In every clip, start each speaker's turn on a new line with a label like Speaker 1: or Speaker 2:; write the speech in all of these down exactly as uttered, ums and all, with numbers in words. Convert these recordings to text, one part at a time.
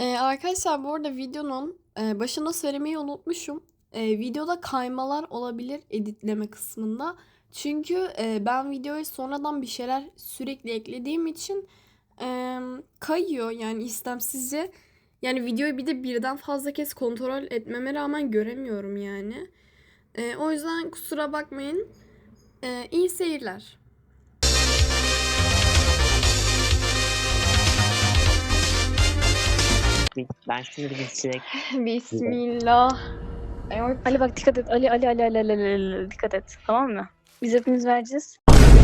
Speaker 1: Ee, arkadaşlar bu arada videonun e, başında söylemeyi unutmuşum. Ee, videoda kaymalar olabilir editleme kısmında. Çünkü e, ben videoya sonradan bir şeyler sürekli eklediğim için e, kayıyor yani istemsizce. Yani videoyu bir de birden fazla kez kontrol etmeme rağmen göremiyorum yani. E, o yüzden kusura bakmayın. E, iyi seyirler.
Speaker 2: Ben şunu bir silek.
Speaker 3: Bismillah. Evet.
Speaker 4: Ali bak dikkat et. Ali Ali Ali Ali Ali, Ali, Ali, dikkat et. Tamam mı? Biz hepimiz vereceğiz.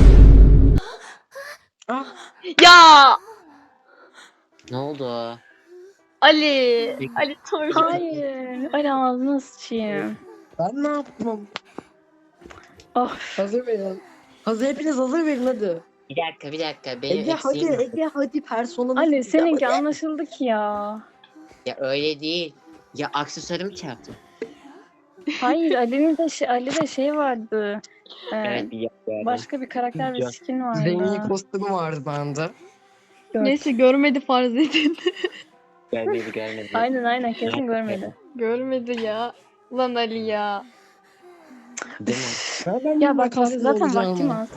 Speaker 3: Ya
Speaker 2: Ne oldu?
Speaker 3: Ali. Ali Torun.
Speaker 4: Hayır. Ali ağzına sıçayım.
Speaker 5: Ben ne yaptım?
Speaker 4: Of.
Speaker 5: Hazır verin. Hazır hepiniz hazır verin hadi.
Speaker 2: Bir dakika bir dakika. Benim
Speaker 5: Ege hadi
Speaker 2: eksiğim.
Speaker 5: Ege hadi personamı.
Speaker 4: Ali seninki anlaşıldı ki ya.
Speaker 2: Ya öyle değil. Ya aksesuarımı çarptım.
Speaker 4: Hayır Ali'nin de şey, Ali'de şey vardı. Ee,
Speaker 2: Evet bir yapıyorum.
Speaker 4: başka bir karakter ve
Speaker 2: Biliyorum.
Speaker 4: skin vardı.
Speaker 5: Zengi kostümü vardı bende.
Speaker 4: Dört.
Speaker 3: Neyse görmedi farz edin.
Speaker 2: Görmedi görmedi.
Speaker 4: Aynen aynen kesin görmedi.
Speaker 3: Görmedi ya. Lan Ali ya.
Speaker 2: Değil mi?
Speaker 5: Nereden
Speaker 4: Ya
Speaker 5: bir
Speaker 4: bak
Speaker 5: makasla
Speaker 4: zaten
Speaker 5: olacağını?
Speaker 4: vaktim az.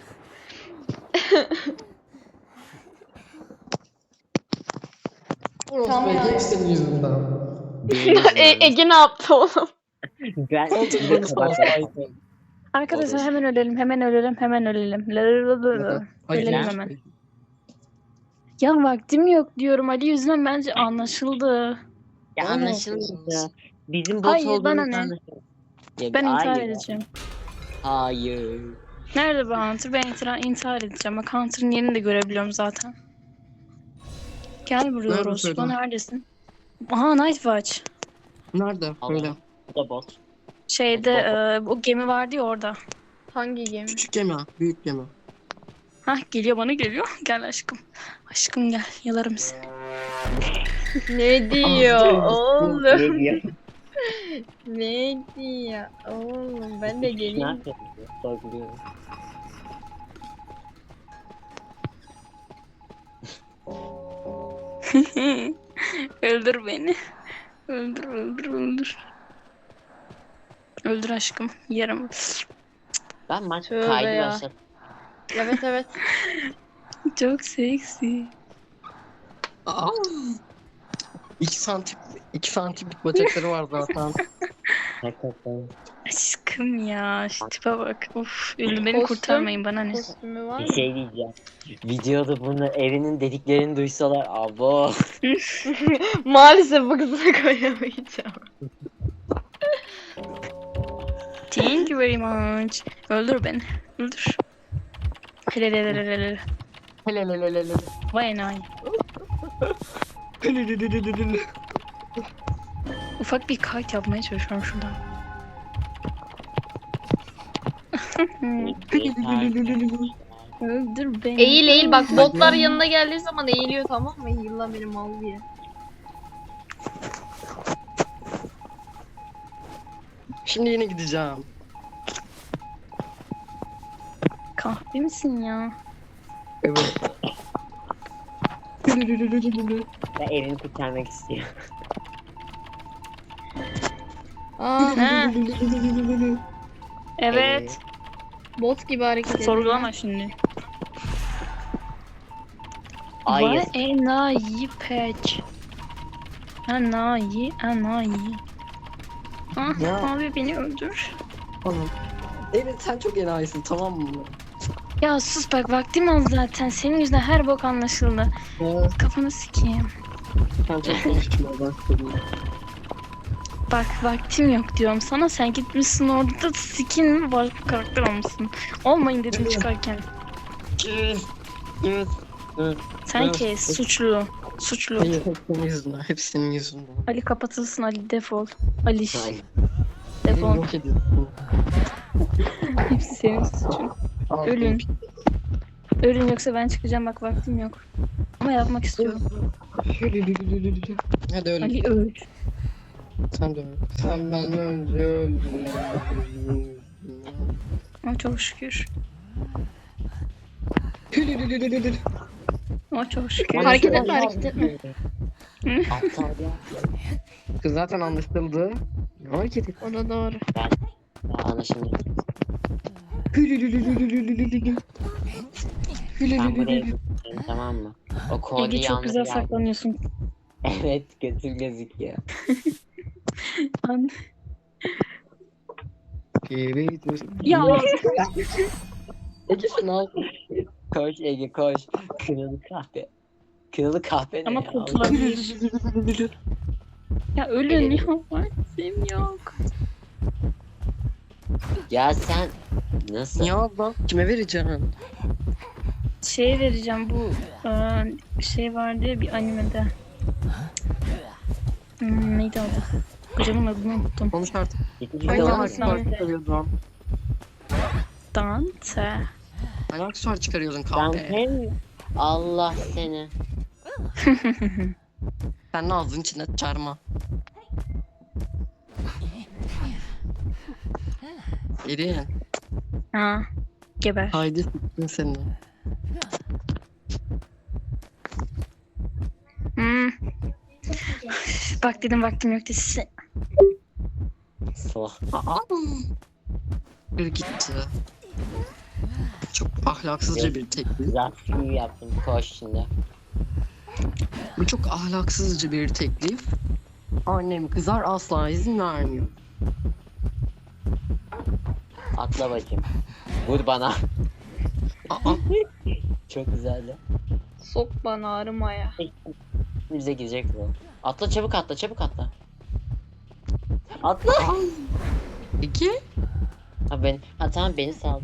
Speaker 5: Orospu
Speaker 3: Tamam.
Speaker 5: Ege hep senin yüzünden.
Speaker 2: Benim
Speaker 3: e, Ege ne yaptı oğlum?
Speaker 2: Ben
Speaker 5: Oldu
Speaker 2: size
Speaker 5: bana
Speaker 2: kabak
Speaker 5: savaşsaydın.
Speaker 4: Arkadaşlar
Speaker 2: Olur.
Speaker 4: hemen ölelim hemen ölelim hemen ölelim. Lalalala.
Speaker 5: Hayır.
Speaker 4: Ölelim hemen. Ya vaktim yok diyorum Ali yüzünden bence anlaşıldı.
Speaker 2: Ya
Speaker 5: Aa,
Speaker 2: anlaşılmadı. Bizim bot
Speaker 4: Hayır,
Speaker 2: olduğumuz
Speaker 4: bana ne?
Speaker 2: anlaşıldı. Ya,
Speaker 4: Ben intihar
Speaker 2: hayır.
Speaker 4: edeceğim.
Speaker 2: Hayır.
Speaker 4: Nerede bu Hunter? Ben intihar, intihar edeceğim. Bak Hunter'ın yerini de görebiliyorum zaten. Gel buraya
Speaker 5: Nerede
Speaker 4: Orospu.
Speaker 5: söyle?
Speaker 4: Neredesin? Aha Night Watch.
Speaker 5: Nerede? Böyle.
Speaker 2: Allah. Bu da bot.
Speaker 4: Şeyde e, o gemi vardı ya orada.
Speaker 3: Hangi gemi?
Speaker 5: Küçük gemi, büyük gemi.
Speaker 4: Hah geliyor bana geliyor. Gel aşkım. Aşkım gel. Yalarım seni.
Speaker 3: Ne diyor
Speaker 5: Aa,
Speaker 3: oğlum?
Speaker 2: Ne diyor?
Speaker 3: Ne diyor oğlum? Ben de
Speaker 2: Ne
Speaker 3: geleyim.
Speaker 2: yapıyorsun? Sorguluyorum.
Speaker 4: Öldür beni. Öldür öldür öldür. Öldür aşkım. Yarım.
Speaker 2: Ben maç
Speaker 3: Tövbe
Speaker 2: kaydı
Speaker 3: ya.
Speaker 2: başladım.
Speaker 3: Evet evet.
Speaker 4: Çok seksi.
Speaker 5: Aa. İki santim, iki santimlik bacakları var zaten.
Speaker 2: Hakikaten.
Speaker 4: Aşkım ya. Şu tipe bak. Of. Ölüm beni
Speaker 3: Kostüm.
Speaker 4: kurtarmayın bana ne.
Speaker 3: Kostümü var
Speaker 2: Bir
Speaker 3: mı?
Speaker 2: şey diyeceğim. Videoda bunu evinin dediklerini duysalar abo.
Speaker 3: Maalesef bu kızına koyamayacağım.
Speaker 4: Thank you very much. Öldür beni. Öldür. Helelelelelele.
Speaker 5: Helelelelele.
Speaker 4: Vay enayi.
Speaker 5: Helelelelele.
Speaker 4: Ufak bir kayıt yapmaya çalışıyorum şuradan. Öldür beni.
Speaker 3: Eğil eğil bak
Speaker 4: öldür
Speaker 3: botlar
Speaker 4: beni.
Speaker 3: yanına geldiği zaman eğiliyor tamam mı? Eğil lan benim mal diye.
Speaker 5: Şimdi yine gideceğim.
Speaker 4: Kahve misin ya?
Speaker 5: Evet.
Speaker 2: Ben evini kurtarmak istiyorum.
Speaker 3: Aa,
Speaker 4: He. Evet.
Speaker 3: bot gibi hareket ediyor.
Speaker 4: Sorgulama şimdi.
Speaker 2: Hayır.
Speaker 4: Vay enayi peç. Enayi enayi. Ah
Speaker 5: Ya.
Speaker 4: abi beni öldür.
Speaker 5: Tamam. Evet sen çok enayisin tamam mı?
Speaker 4: Ya sus bak vaktim az zaten. Senin yüzünden her bok anlaşıldı.
Speaker 5: Evet.
Speaker 4: Kafanı sikeyim.
Speaker 5: Sen çok konuşmaya başladın.
Speaker 4: Bak vaktim yok diyorum sana. Sen gitmişsin orada skin mi başka karakter olmuşsun. Olmayın dedim
Speaker 5: Evet.
Speaker 4: çıkarken.
Speaker 5: Evet. Evet. Evet.
Speaker 4: Sen
Speaker 5: Evet.
Speaker 4: kes suçlu. Suçlu.
Speaker 5: Hayır hep senin yüzünden. Hep senin yüzünden.
Speaker 4: Ali kapatılsın Ali defol. Ali
Speaker 2: Hayır.
Speaker 5: Beni
Speaker 4: defol.
Speaker 5: yok ediyorsun.
Speaker 4: Hepsi senin suçun.
Speaker 5: Al,
Speaker 4: Ölün. Ölün yoksa ben çıkacağım bak vaktim yok. Ama yapmak istiyorum.
Speaker 5: Hadi öyle.
Speaker 4: Ali öl.
Speaker 5: Sen de öyle. Sen benden önce öldün.
Speaker 4: Ama çok şükür. Ama çok şükür.
Speaker 3: Hareket etme hareket etme.
Speaker 2: Aptal ya.
Speaker 5: Kız zaten anlaşıldı. Ne hareket et?
Speaker 3: O da doğru.
Speaker 2: Ya anlaşıldı. Ben buraya gideceğim, tamam mı? O
Speaker 4: Ege
Speaker 2: kolyeyi
Speaker 4: çok güzel
Speaker 2: almaya geldim.
Speaker 4: saklanıyorsun.
Speaker 2: Evet, götür gözüküyor.
Speaker 4: An-
Speaker 5: Evet.
Speaker 4: Ya
Speaker 5: Ege ne yaptın?
Speaker 2: Koş Ege koş. Kırılı kahve. Kırılı kahve ne
Speaker 4: ama
Speaker 2: ya?
Speaker 4: kurtulabilir. Ya ölün ya. Vaktim yok.
Speaker 2: Ya sen nasıl?
Speaker 5: Ya abla kime vereceğim?
Speaker 4: Şey vereceğim bu e, şey vardı ya bir animede. Hmm, neydi adı? Kocanın adını unuttum.
Speaker 5: Konuş artık.
Speaker 2: Yetişmiş
Speaker 5: Hangi
Speaker 2: olan
Speaker 4: Aynen.
Speaker 5: aksesuar
Speaker 4: Dante.
Speaker 5: çıkarıyordun?
Speaker 4: Dante.
Speaker 5: Hangi aksesuar çıkarıyordun
Speaker 2: Ben
Speaker 5: kahve?
Speaker 2: hem Allah seni.
Speaker 5: Sen ağzının içine çarma. Erin.
Speaker 4: Ha, geber.
Speaker 5: Haydi s**tin seni.
Speaker 4: Hmm. Bak dedim vaktim yok dedi.
Speaker 2: Salak.
Speaker 5: Aa. Bir gitti. Çok ahlaksızca bir teklif.
Speaker 2: Zaten yaptım. Koş şimdi.
Speaker 5: Bu çok ahlaksızca bir teklif. Annem kızar asla izin vermiyor.
Speaker 2: Atla bacım. Vur bana.
Speaker 5: Aa.
Speaker 2: Çok güzeldi.
Speaker 3: Sok bana arımaya.
Speaker 2: Bize girecek bu. Atla çabuk atla çabuk atla. Atla.
Speaker 5: İki.
Speaker 2: Ha ben ha tamam beni sal.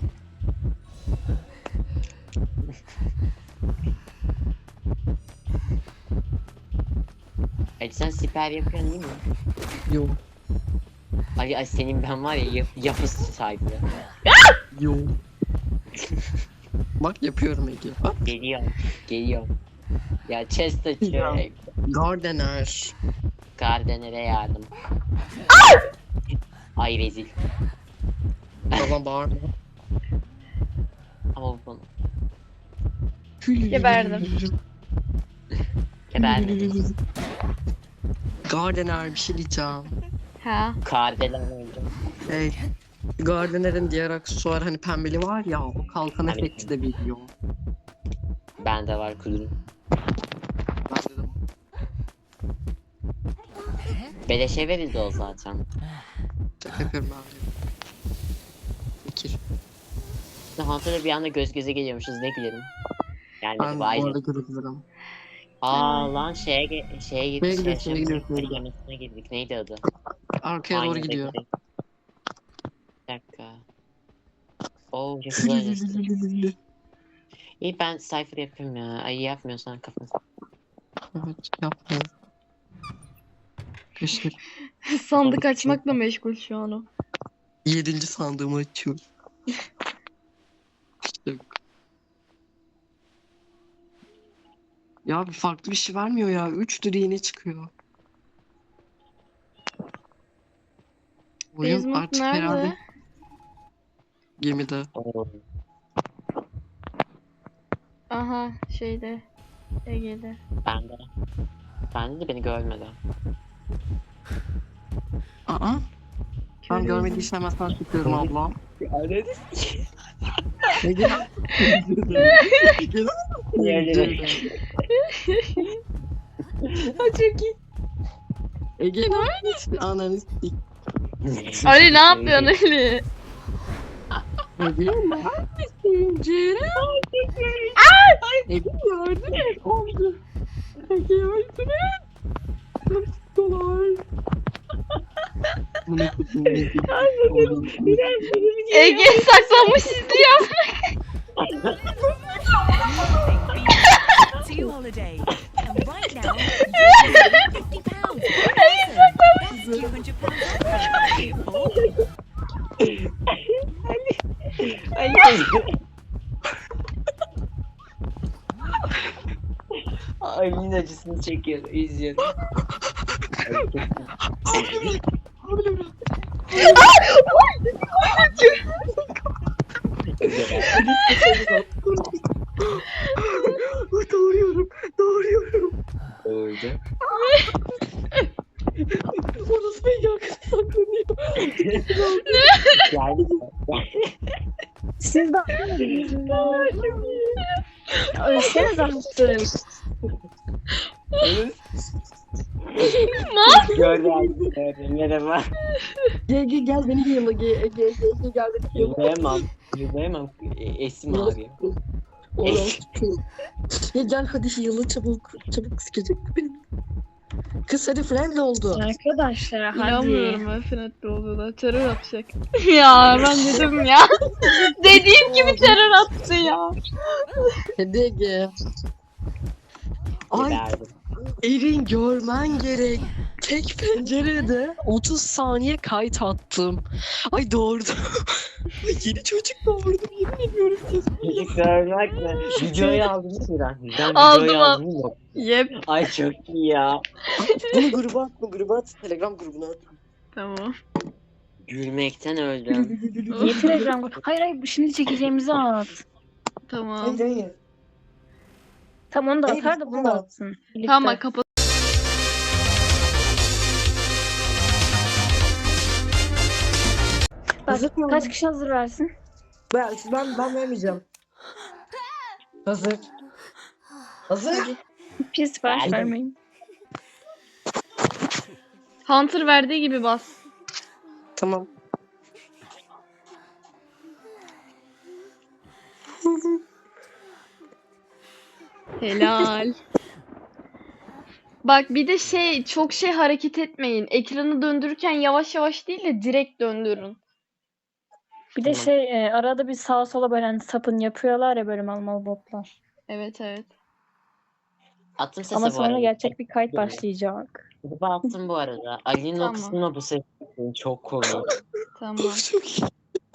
Speaker 2: Hadi sen siper yapıyorsun değil mi?
Speaker 5: Yok.
Speaker 2: Ay, ay senin ben var ya yap, yapısı sahibi.
Speaker 5: Yok. Bak yapıyorum Ege. Bak.
Speaker 2: Geliyorum. Geliyorum. Ya chest açıyor.
Speaker 5: Ya. Gardener.
Speaker 2: Gardener'e yardım. Ay rezil.
Speaker 5: Baba bağırma.
Speaker 2: Ama bu
Speaker 3: Geberdim.
Speaker 2: gebermedim.
Speaker 5: Gardener bir şey diyeceğim.
Speaker 3: Ha.
Speaker 2: Kardelen öldüm.
Speaker 5: Hey. Gardener'in diğer aksesuar hani pembeli var ya o kalkan
Speaker 2: Evet.
Speaker 5: efekti de veriyor.
Speaker 2: Bende var kudurum.
Speaker 5: Ben dedim.
Speaker 2: Beleşe verildi o zaten.
Speaker 5: Şaka yapıyorum ben de. Fikir.
Speaker 2: Hunter'la bir anda göz göze geliyormuşuz ne gülerim. Yani
Speaker 5: Ben bu
Speaker 2: vay.
Speaker 5: arada görebilirim.
Speaker 2: Aa lan şeye ge- şeye gittik.
Speaker 5: Neye gidiyorsun, neye gidiyorsun?
Speaker 2: Yemisine girdik. Neydi adı?
Speaker 5: Arkaya doğru
Speaker 2: Aynı
Speaker 5: gidiyor.
Speaker 2: bekle. Bir dakika. Oo çok güzel. İyi ben Cypher yapayım ya. Ay yapmıyorsan kafanı.
Speaker 5: Evet yapma. Keşke
Speaker 3: Sandık açmakla meşgul şu an o.
Speaker 5: yedinci sandığımı açıyorum. İşte. Ya bir farklı bir şey vermiyor ya. Üçtür yine çıkıyor. Oyun
Speaker 3: Desmond
Speaker 5: artık
Speaker 3: nerede?
Speaker 5: herhalde gemide.
Speaker 2: Oo.
Speaker 3: Aha şeyde. Ege'de.
Speaker 2: Bende. Bende de beni görmedi.
Speaker 5: Aa, ben
Speaker 3: Körüydüm.
Speaker 5: görmediysen hemen sana çıkıyorum abla.
Speaker 2: Öyle
Speaker 5: Ege.
Speaker 3: Çok iyi.
Speaker 5: Ege neredesin? Ananı s**k.
Speaker 3: Ali ne yapıyorsun Ali?
Speaker 5: Ege neredesin? Ceren. Ege yardım et. Oldu. Ege yardım et. Nasıl Bunu tutun.
Speaker 3: Ege saklanmış izliyor.
Speaker 6: to holiday. And right now, you can save fifty pounds per person. That's two hundred pounds off.
Speaker 2: Ali'nin acısını çekiyor. İzliyorum.
Speaker 5: Doğruyorum. Doğruyorum.
Speaker 2: Öldü.
Speaker 5: Orası beni yakın saklanıyor.
Speaker 2: Yani
Speaker 4: Siz de ölseniz anlattım.
Speaker 2: gördüm. Gördüm. Merhaba.
Speaker 5: Gel gel gel beni yıla gel gel gel gel gel beni yıla.
Speaker 2: Yürüyemem. Yürüyemem. E, Esim ağrıyor.
Speaker 5: Oğlum. Gel gel hadi yıla çabuk. Çabuk sıkacak beni. Kız hadi friendly oldu.
Speaker 4: Arkadaşlar hadi.
Speaker 3: İnanmıyorum ben Fenet'te olduğuna. Terör atacak. ya ben dedim ya. Dediğim gibi terör attı ya.
Speaker 5: Hadi Ege. Ay
Speaker 2: Verdim.
Speaker 5: Erin görmen gerek. Tek pencerede otuz saniye kayıt attım. Ay doğurdum. Ay yeni çocuk doğurdum yemin ediyorum kesin.
Speaker 2: Çocuk görmek mi? Videoyu aldınız mı lan? Ben
Speaker 3: Aldım,
Speaker 2: videoyu
Speaker 3: al-
Speaker 2: aldım mı?
Speaker 3: Yep.
Speaker 2: Ay çok iyi ya.
Speaker 5: Bunu gruba at, bunu gruba at. Telegram grubuna at.
Speaker 3: Tamam.
Speaker 2: Gülmekten öldüm.
Speaker 4: Niye Telegram grubu? Hayır hayır şimdi çekeceğimizi at.
Speaker 3: Tamam.
Speaker 5: hayır.
Speaker 4: Tam onu da
Speaker 5: Hayır,
Speaker 4: atar da bunu da
Speaker 5: tamam.
Speaker 4: atsın. Birlikte.
Speaker 3: Tamam kapat.
Speaker 4: Bak,
Speaker 5: Hazır mı?
Speaker 4: kaç kişi hazır versin?
Speaker 5: Ben, ben, ben vermeyeceğim. Hazır. Hazır.
Speaker 4: Bir sipariş
Speaker 2: Verdim.
Speaker 4: vermeyin.
Speaker 3: Hunter verdiği gibi bas.
Speaker 5: Tamam.
Speaker 3: Helal. Bak bir de şey çok şey hareket etmeyin. Ekranı döndürürken yavaş yavaş değil de direkt döndürün.
Speaker 4: Bir de
Speaker 2: Tamam.
Speaker 4: şey e, arada bir sağa sola böyle hani sapın yapıyorlar ya böyle mal mal botlar.
Speaker 3: Evet evet.
Speaker 2: Attım sesi
Speaker 4: Ama
Speaker 2: bu
Speaker 4: sonra
Speaker 2: arada.
Speaker 4: gerçek bir kayıt başlayacak.
Speaker 2: Gruba attım bu arada. Ali'nin
Speaker 3: Tamam.
Speaker 2: o kısmına bu ses çok komik.
Speaker 3: Tamam.
Speaker 5: Çok iyi.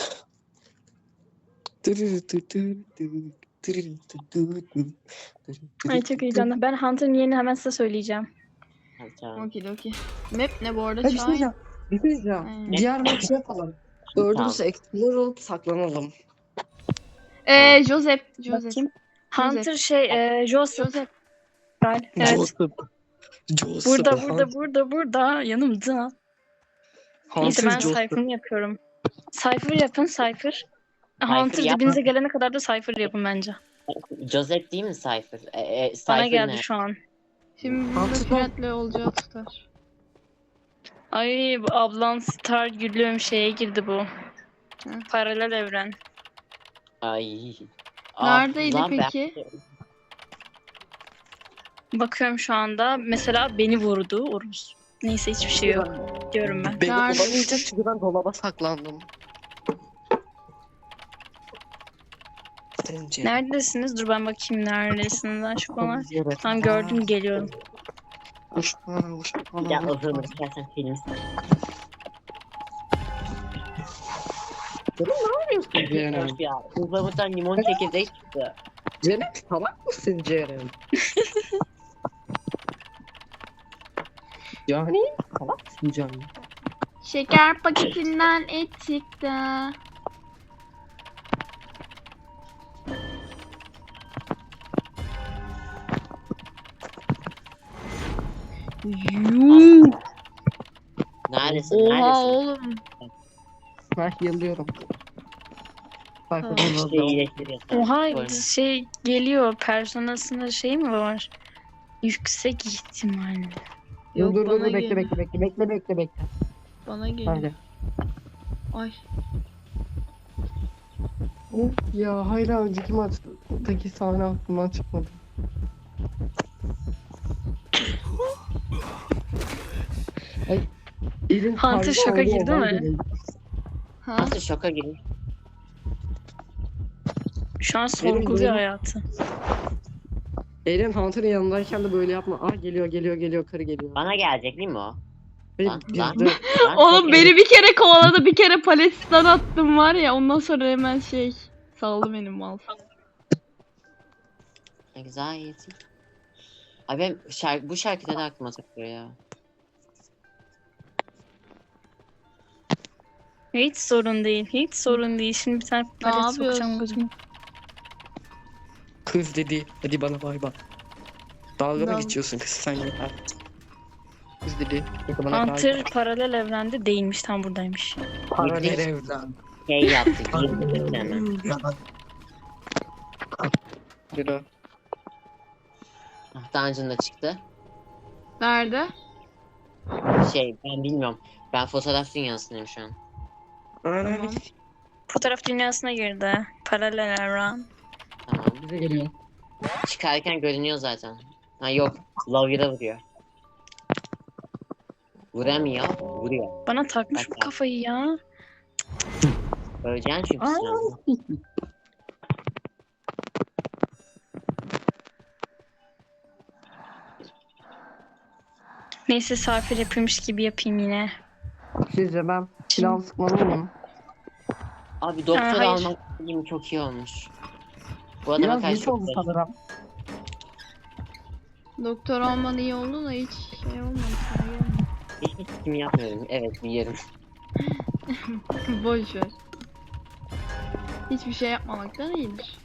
Speaker 4: Ay çok heyecanlı. Ben Hunter'ın yerini hemen size söyleyeceğim.
Speaker 2: Hadi tamam.
Speaker 3: Okey okey. Map ne bu arada?
Speaker 5: Hadi bir şey
Speaker 3: Çay.
Speaker 5: diyeceğim. Bir şey diyeceğim.
Speaker 3: Hmm.
Speaker 5: Diğer maçı yapalım. Dördümüz
Speaker 2: Tamam.
Speaker 5: ekstralar olup saklanalım.
Speaker 3: Ee, Joseph. Joseph.
Speaker 4: Bakayım. Hunter şey e, Joseph.
Speaker 3: Joseph.
Speaker 4: Galiba. Evet.
Speaker 5: Joseph. Joseph.
Speaker 4: Burada burada burada burada yanımda. Neyse ben
Speaker 5: Joseph.
Speaker 4: Cypher'ını yapıyorum. Cypher yapın Cypher. Hunter
Speaker 2: yapma.
Speaker 4: dibinize gelene kadar da Cypher yapın bence.
Speaker 2: Joseph değil mi Cypher? E, e,
Speaker 4: Bana
Speaker 2: Cypher
Speaker 4: geldi
Speaker 2: ne?
Speaker 4: şu an.
Speaker 3: Şimdi burada
Speaker 5: Hunter-
Speaker 3: Fenet'le olacağı tutar.
Speaker 4: Ay bu ablan Star gülüm şeye girdi bu. Paralel evren.
Speaker 2: Ay.
Speaker 3: Neredeydi
Speaker 2: lan ben-
Speaker 3: peki?
Speaker 4: Bakıyorum şu anda. Mesela beni vurdu. Oruz. Neyse hiçbir şey yok. Diyorum ben.
Speaker 5: Beni
Speaker 3: Nerede?
Speaker 5: bulamayacak çünkü ben dolaba saklandım. Sence?
Speaker 4: Neredesiniz? Dur ben bakayım neredesiniz aşkolar.
Speaker 5: Evet.
Speaker 4: Tam gördüm geliyorum.
Speaker 5: Hoş bana, hoş bana.
Speaker 2: Ya o zaman istersen film.
Speaker 5: Ceren.
Speaker 2: Ya kızlamıktan limon çekirdeği çıktı.
Speaker 5: Ceren salak mısın Ceren? Yani salak mısın Ceren?
Speaker 3: Şeker paketinden et çıktı. Yuh.
Speaker 2: Neredesin?
Speaker 3: Oha
Speaker 2: Neredesin?
Speaker 3: oğlum.
Speaker 5: Ben yıllıyorum. Bak
Speaker 3: Tamam.
Speaker 5: bakalım.
Speaker 2: İşte iyileştiriyorsun.
Speaker 4: Oha
Speaker 2: Koyma.
Speaker 4: şey geliyor. Personasında şey mi var? Yüksek ihtimalle.
Speaker 3: Yok
Speaker 5: Dur dur
Speaker 3: bana
Speaker 5: dur bekle
Speaker 3: geliyor.
Speaker 5: bekle bekle bekle bekle bekle.
Speaker 3: Bana geliyor.
Speaker 5: Hadi.
Speaker 3: Ay.
Speaker 5: Of ya hala önceki maçtaki sahne aklımdan çıkmadı. Ay, elin
Speaker 4: Hunter
Speaker 5: kalbi
Speaker 4: şoka
Speaker 5: oldu,
Speaker 4: girdi
Speaker 5: ondan
Speaker 4: mi?
Speaker 5: dolayı.
Speaker 3: Ha?
Speaker 2: Nasıl şoka girin?
Speaker 4: Şu an sorguluyor
Speaker 5: benim-
Speaker 4: hayatı.
Speaker 5: Eren Hunter'ın yanındayken de böyle yapma. Aa geliyor geliyor geliyor karı geliyor.
Speaker 2: Bana gelecek değil mi o?
Speaker 5: Beni
Speaker 2: Lan, lan.
Speaker 5: girdi.
Speaker 2: Lan
Speaker 3: Oğlum
Speaker 2: çok
Speaker 3: beni bir kere kovaladı, bir kere paletten attım var ya, ondan sonra hemen şey saldı benim mal.
Speaker 2: Anxiety. Ay ben şarkı, bu şarkı neden aklıma takılıyor ya?
Speaker 4: Hiç sorun değil. Hiç sorun değil. Şimdi bir tane palet
Speaker 3: yapıyorsun?
Speaker 4: sokacağım gözüme.
Speaker 5: Kız dedi. Hadi bana bay bay. Dalga mı
Speaker 3: Dal-
Speaker 5: geçiyorsun kız sen ya? kız dili. Yakımına
Speaker 4: Hunter paralel evrende değilmiş. Tam buradaymış.
Speaker 5: paralel evden.
Speaker 2: Şey yaptık. Girdik hemen.
Speaker 5: Yürü.
Speaker 2: Ah, Dungeon'da çıktı.
Speaker 3: Nerede?
Speaker 2: Şey ben bilmiyorum. Ben fotoğraf dünyasındayım şu an.
Speaker 3: Tamam.
Speaker 4: Fotoğraf dünyasına girdi. Paralel evren.
Speaker 2: Tamam.
Speaker 5: Bize geliyor.
Speaker 2: Çıkarken görünüyor zaten. Ha yok. Lovya'da vuruyor. Vuramıyor. Vuruyor.
Speaker 4: Bana takmış bu
Speaker 2: Bak.
Speaker 4: kafayı ya.
Speaker 2: Öleceksin çünkü sen.
Speaker 4: Neyse safir yapıyormuş gibi yapayım yine.
Speaker 5: Sizce ben silah sıkmalı mıyım?
Speaker 2: Abi doktor
Speaker 4: Ha, hayır.
Speaker 2: almak dediğim çok iyi olmuş. Bu adama
Speaker 5: Biraz
Speaker 2: karşı
Speaker 5: geç
Speaker 2: çok
Speaker 5: oldu
Speaker 2: zayıf.
Speaker 5: sanırım.
Speaker 3: Doktor olman iyi oldu da hiç şey olmadı.
Speaker 2: Hiçbir kim yapmıyorum. Evet biliyorum.
Speaker 3: Boş ver. Hiçbir şey yapmamaktan iyidir.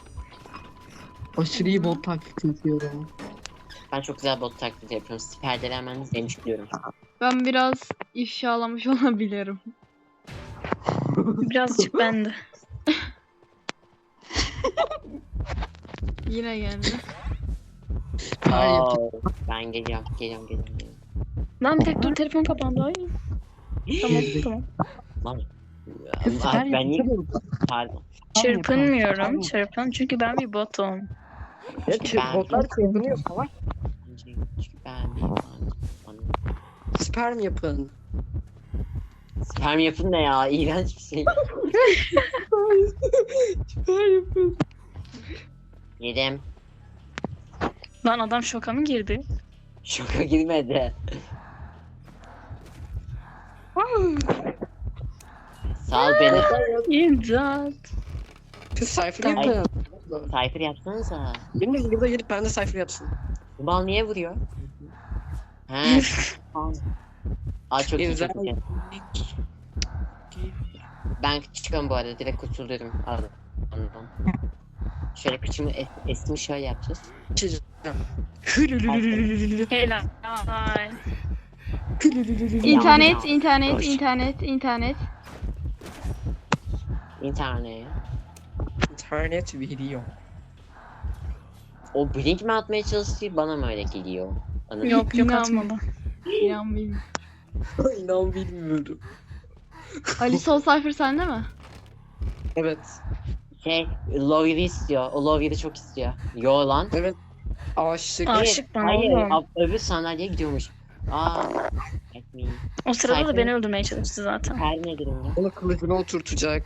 Speaker 5: Aşırı iyi bot taklit yapıyorum.
Speaker 2: Ben çok güzel bot taklidi yapıyorum. Siz perdeleri hemen demiş diyorum.
Speaker 3: Ben biraz ifşalamış olabilirim.
Speaker 4: Birazcık bende.
Speaker 3: Yine geldi.
Speaker 5: Her yapı-
Speaker 2: Oo, ben geliyorum, geliyorum, geliyorum. geliyorum.
Speaker 4: Lan bir dakika dur telefon kapandı. Ay. Tamam
Speaker 5: Gezdik.
Speaker 4: tamam.
Speaker 2: Lan.
Speaker 5: Kız
Speaker 2: Ay,
Speaker 5: her
Speaker 2: ben niye...
Speaker 5: yapı-
Speaker 2: Pardon.
Speaker 4: Çırpınmıyorum. Çırpın çünkü ben bir botum.
Speaker 5: Ya
Speaker 2: Çünkü ben-
Speaker 5: botlar çırpınıyor falan.
Speaker 2: Çünkü ben bir...
Speaker 5: Sperm yapın.
Speaker 2: Sperm yapın ne ya? İğrenç bir şey.
Speaker 5: Sperm yapın.
Speaker 2: Yedim.
Speaker 4: Lan adam şoka mı girdi?
Speaker 2: Şoka girmedi. Sal beni.
Speaker 4: İmdat.
Speaker 5: Kız sayfır
Speaker 4: Tamam.
Speaker 5: yapın.
Speaker 2: Cypher yapsanıza.
Speaker 5: Benim burada gelip ben de sayfır yapsın.
Speaker 2: Bu bal niye vuruyor? He. Aa çok iyi, çok iyi. Ben çıkıyorum bu arada. Direkt kurtuluyorum. Aldım. Anladım. Şöyle kıçımı es esmi şöyle yapacağız.
Speaker 5: Çizeceğim. Hülülülülülülülü.
Speaker 4: Helal. Ay.
Speaker 3: İnternet, internet,
Speaker 5: Hoş.
Speaker 3: internet, internet.
Speaker 2: İnternet.
Speaker 5: İnternet video.
Speaker 2: O blink mi atmaya çalışıyor bana mı öyle geliyor? Bana...
Speaker 4: Yok yok
Speaker 3: İnan-
Speaker 4: atmadı.
Speaker 3: İnan bilmiyorum.
Speaker 5: İnan bilmiyorum.
Speaker 3: Ali Sol Cypher sende mi?
Speaker 5: Evet.
Speaker 2: Şey, Lovya'yı istiyor. O Lovya'yı çok istiyor. Yo lan.
Speaker 5: Evet. Aşık.
Speaker 4: Aa.
Speaker 2: Hayır,
Speaker 4: Aşık bana
Speaker 2: hayır.
Speaker 4: oğlum.
Speaker 2: ab- Öbür sandalyeye gidiyormuş. Aa. Etmeyin.
Speaker 4: O sırada da
Speaker 2: Cypher-
Speaker 4: beni öldürmeye çalıştı zaten.
Speaker 2: Her ne durumda?
Speaker 5: Onu kılıcına oturtacak.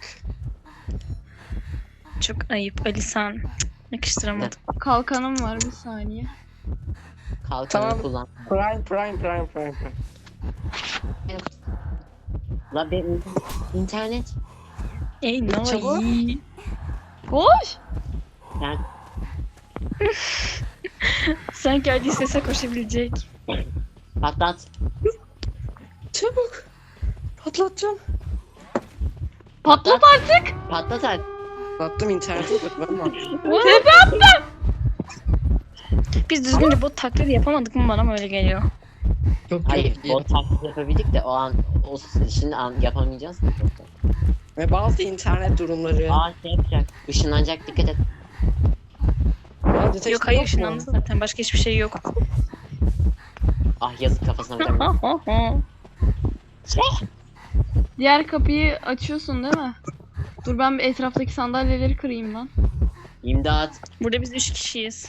Speaker 4: Çok ayıp Ali sen. Yakıştıramadım.
Speaker 3: Kalkanım var bir saniye.
Speaker 2: Kalkanı
Speaker 5: Tamam.
Speaker 2: kullan.
Speaker 5: Prime prime prime prime prime.
Speaker 2: La benim internet.
Speaker 4: Ey no
Speaker 5: Çabuk.
Speaker 4: iyi.
Speaker 3: Koş!
Speaker 2: Ben
Speaker 4: Sanki Ali sese koşabilecek.
Speaker 2: patlat.
Speaker 5: Çabuk. Patlatacağım.
Speaker 3: Patlat artık!
Speaker 2: Patlat artık.
Speaker 5: Patlattım internete bakmam lazım.
Speaker 4: Biz düzgünce bot taklidi yapamadık mı bana mı öyle geliyor?
Speaker 5: Yok
Speaker 2: Hayır,
Speaker 5: yok.
Speaker 2: o taklit yapabildik de o an o şimdi an yapamayacağız mı?
Speaker 5: Ve bazı internet durumları.
Speaker 2: Aa şey yapacak. Işınlanacak, dikkat et.
Speaker 5: Aa, detection
Speaker 4: Yok hayır
Speaker 5: mu?
Speaker 4: ışınlandı zaten. Başka hiçbir şey yok.
Speaker 2: Ah yazık kafasına vuracağım.
Speaker 3: Diğer kapıyı açıyorsun değil mi? Dur ben bir etraftaki sandalyeleri kırayım lan.
Speaker 2: İmdat.
Speaker 4: Burada biz üç kişiyiz.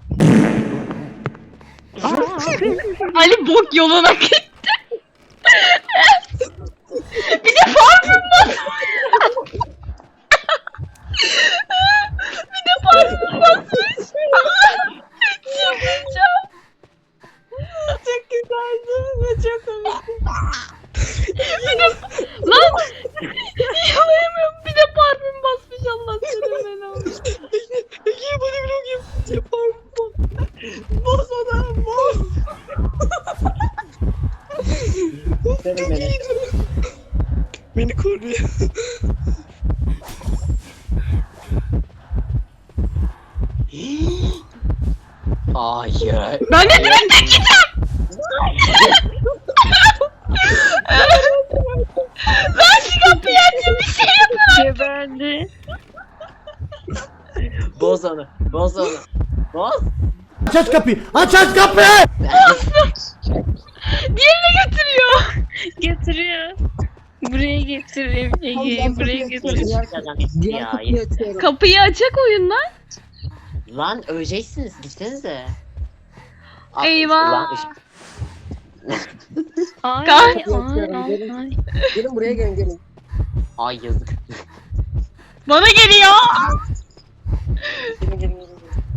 Speaker 3: Ali bok yoluna gitti. Bir de parfüm basmış. Bir de parfüm basmış. Çıldıracağım.
Speaker 2: Çok güzeldi ve çok komikti.
Speaker 3: Bir de... Lan! Yalayamıyorum. Bir de parfüm basmış Allah seni belanı.
Speaker 5: Ege bana vlog yapacağım. Boz ona boz.
Speaker 2: Senin beni.
Speaker 5: Beni koruyor.
Speaker 2: Hayır.
Speaker 3: Ben de direkt gideceğim.
Speaker 2: Boz onu. Boz.
Speaker 7: Aç aç kapıyı. Aç aç kapıyı.
Speaker 3: Getiriyor.
Speaker 4: Getiriyor. Buraya getir Ege. Buraya getir.
Speaker 5: Diğer
Speaker 2: Ya,
Speaker 5: kapıyı açıyorum.
Speaker 3: Kapıyı açak oyundan.
Speaker 2: Lan öleceksiniz. Gitsenize. Aa,
Speaker 3: Eyvah.
Speaker 2: Lan, ışık-
Speaker 4: Ay
Speaker 3: Kay-
Speaker 4: ay ay ay.
Speaker 5: Gelin buraya gelin gelin.
Speaker 2: Ay yazık.
Speaker 3: Bana geliyor.
Speaker 5: Gelin gelin gelin.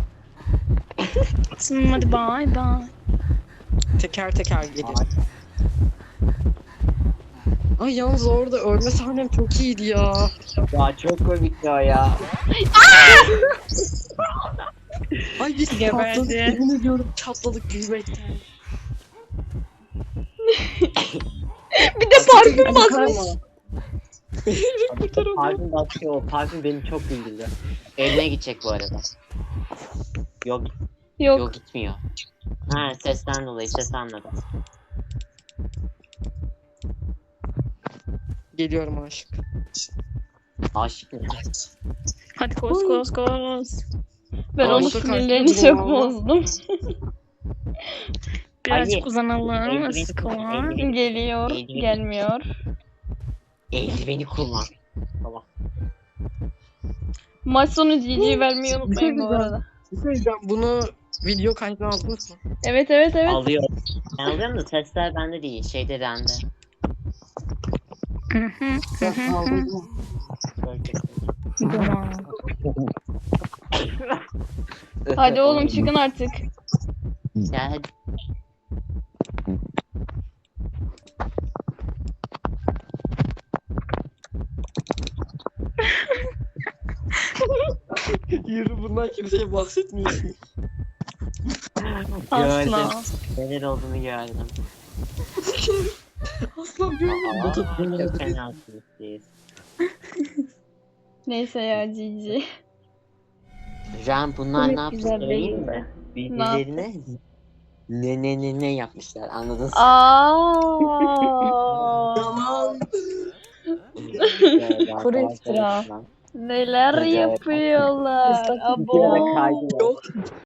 Speaker 4: Tamam, hadi bye bye.
Speaker 5: Teker teker gelin. Ay yalnız orada ölme sahnem çok iyiydi ya.
Speaker 2: Ya çok komik ya ya.
Speaker 5: Ay biz
Speaker 4: Geberdi.
Speaker 5: çatladık. Yemin ediyorum çatladık gülmekten.
Speaker 3: Bir de parfüm basmış.
Speaker 2: Parfüm basıyor. O parfüm beni çok güldürdü. Eline gidecek bu arada. Yok
Speaker 3: Yok.
Speaker 2: yok gitmiyor. Ha sesten dolayı ses anladım.
Speaker 5: Geliyorum aşık.
Speaker 2: Aşık mı?
Speaker 4: Hadi koş koş koş.
Speaker 3: Ben onun
Speaker 5: Orta
Speaker 3: sinirlerini
Speaker 5: karşıda
Speaker 3: çok
Speaker 5: bu.
Speaker 3: bozdum.
Speaker 4: Birazcık
Speaker 2: Ali,
Speaker 4: uzanalım.
Speaker 2: eldiven-
Speaker 4: Sıkılan.
Speaker 2: eldiven-
Speaker 3: Geliyor.
Speaker 2: Eğilme.
Speaker 3: Gelmiyor.
Speaker 2: Eldiveni kullan. Tamam.
Speaker 3: Maç sonu G G vermeyi unutmayın bu arada.
Speaker 5: Bir şey diyeceğim, bunu video kaydına aldınız mı?
Speaker 3: Evet evet evet.
Speaker 2: Alıyorum. Ben alıyorum da sesler bende değil. Şeyde bende.
Speaker 4: Hı hı, hı hı,
Speaker 5: Aldınız mı?
Speaker 4: Tamam.
Speaker 3: Hadi oğlum çıkın artık.
Speaker 2: Ya hadi.
Speaker 5: Yürü bundan kimseye bahsetmiyorsun.
Speaker 4: Asla.
Speaker 2: Gördüm. Neler olduğunu gördüm.
Speaker 5: Asla görmedim.
Speaker 2: Aa,
Speaker 5: Batu
Speaker 2: çok
Speaker 5: dinlemedi.
Speaker 2: fenasınız siz.
Speaker 3: Neyse ya G G.
Speaker 2: Ram bunlar
Speaker 3: Çok
Speaker 2: ne yaptı
Speaker 3: güzel
Speaker 2: söyleyeyim
Speaker 3: değil
Speaker 2: mi? Birbirlerine ne ne ne ne yapmışlar anladın mı?
Speaker 3: Aa.
Speaker 5: Yalan.
Speaker 3: Kuru iftira. Neler
Speaker 2: Evet.
Speaker 3: yapıyorlar?
Speaker 2: Bir kere
Speaker 3: Abo.
Speaker 2: kaydı var.
Speaker 5: Yok.